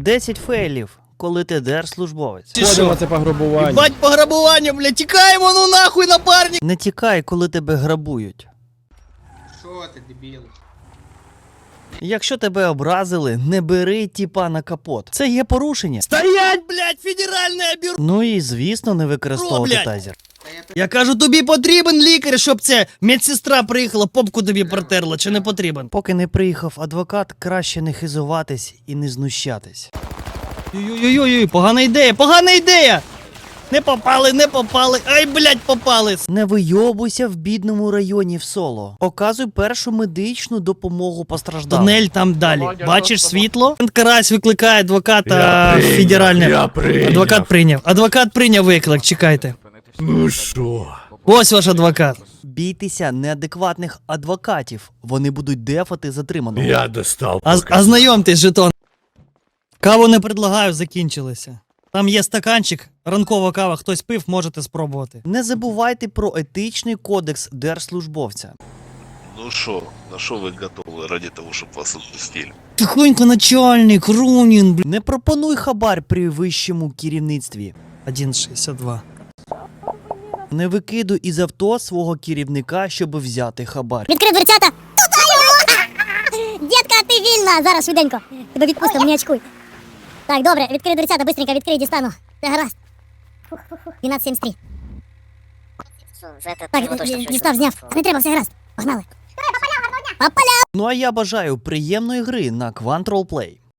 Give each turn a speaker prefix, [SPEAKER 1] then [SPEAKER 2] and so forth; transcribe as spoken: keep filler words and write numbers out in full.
[SPEAKER 1] десять фейлів, коли ти держслужбовець.
[SPEAKER 2] Ходимо це пограбування.
[SPEAKER 3] Бать пограбування, блядь, тікаємо, ну нахуй, напарник!
[SPEAKER 1] Не тікай, коли тебе грабують.
[SPEAKER 4] Що ти, дебіл?
[SPEAKER 1] Якщо тебе образили, не бери тіпа на капот. Це є порушення.
[SPEAKER 3] Стоять, блядь, федеральне бюро!
[SPEAKER 1] Ну і звісно, не використовувати
[SPEAKER 3] блядь?
[SPEAKER 1] тазер.
[SPEAKER 3] Я кажу, тобі потрібен лікар, щоб це медсестра приїхала, попку тобі протерла, чи не потрібен?
[SPEAKER 1] Поки не приїхав адвокат, краще не хизуватись і не знущатись.
[SPEAKER 3] Ой-ой-ой, погана ідея, погана ідея! Не попали, не попали, ай, блядь, попали!
[SPEAKER 1] Не вийобуйся в бідному районі в соло. Оказуй першу медичну допомогу постраждалим.
[SPEAKER 3] Тунель там далі. Бачиш світло? Карась викликає адвоката
[SPEAKER 2] Я прийняв,
[SPEAKER 3] федеральне.
[SPEAKER 2] я прийняв.
[SPEAKER 3] Адвокат прийняв. Адвокат прийняв виклик, чекайте.
[SPEAKER 2] Ну що?
[SPEAKER 3] Ось ваш адвокат.
[SPEAKER 1] Бійтеся неадекватних адвокатів. Вони будуть дефати затриманого.
[SPEAKER 2] Я достав.
[SPEAKER 3] А,
[SPEAKER 2] поки.
[SPEAKER 3] а знайомтесь, жетон. Каву не предлагаю, закінчилися. Там є стаканчик, ранкова кава, хтось пив, можете спробувати.
[SPEAKER 1] Не забувайте про етичний кодекс держслужбовця.
[SPEAKER 5] Ну что, на что вы готовы ради того, чтобы вас отпустили?
[SPEAKER 3] Тихонько, начальник, Рунін, блядь.
[SPEAKER 1] Не пропонуй хабар при вищому керівництві.
[SPEAKER 3] один шістдесят два.
[SPEAKER 1] Не викидуй із авто свого керівника, щоб взяти хабар.
[SPEAKER 6] Відкрив дверцята. Дітка, ти вільна! Зараз швиденько. Тебе відпустимо, не очкуй. Так, добре, відкрий дверцята, быстренько відкрий, дістану. Це гаразд. дванадцять сімдесят три. Так, дістав, зняв. Не треба, все гаразд. Погнали. По полям!
[SPEAKER 1] Ну а я бажаю приємної гри на Quantrol Play.